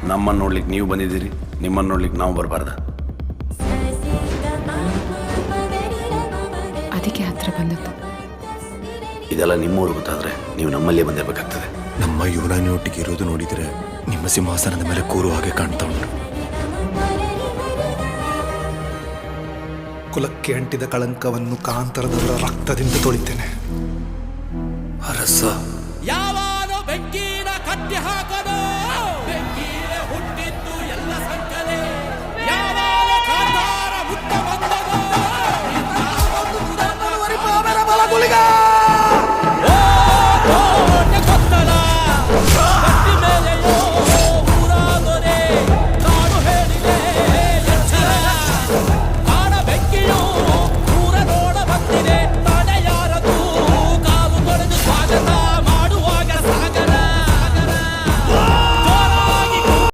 ನಮ್ಮನ್ನು ನೋಡ್ಲಿಕ್ಕೆ ನೀವು ಬಂದಿದ್ದೀರಿ, ನಿಮ್ಮನ್ನು ನೋಡ್ಲಿಕ್ಕೆ ನಾವು ಬರಬಾರ್ದ? ಅದಕ್ಕೆ ಹತ್ರ ಬಂದದ್ದು. ಇದೆಲ್ಲ ನಿಮ್ಮೂರು ಗೊತ್ತಾದ್ರೆ ನೀವು ನಮ್ಮಲ್ಲೇ ಬಂದಿರಬೇಕಾಗ್ತದೆ. ನಮ್ಮ ಯುವರಾಣಿಯೊಟ್ಟಿಗೆ ಇರೋದು ನೋಡಿದರೆ ನಿಮ್ಮ ಸಿಂಹಾಸನದ ಮೇಲೆ ಕೂರುವ ಹಾಗೆ ಕಾಣ್ತಾ ಉಂಟು. ಕುಲಕ್ಕೆ ಅಂಟಿದ ಕಳಂಕವನ್ನು ಕಾಂತರದವರ ರಕ್ತದಿಂದ ತೊಳಿತೇನೆ. ಅರಸ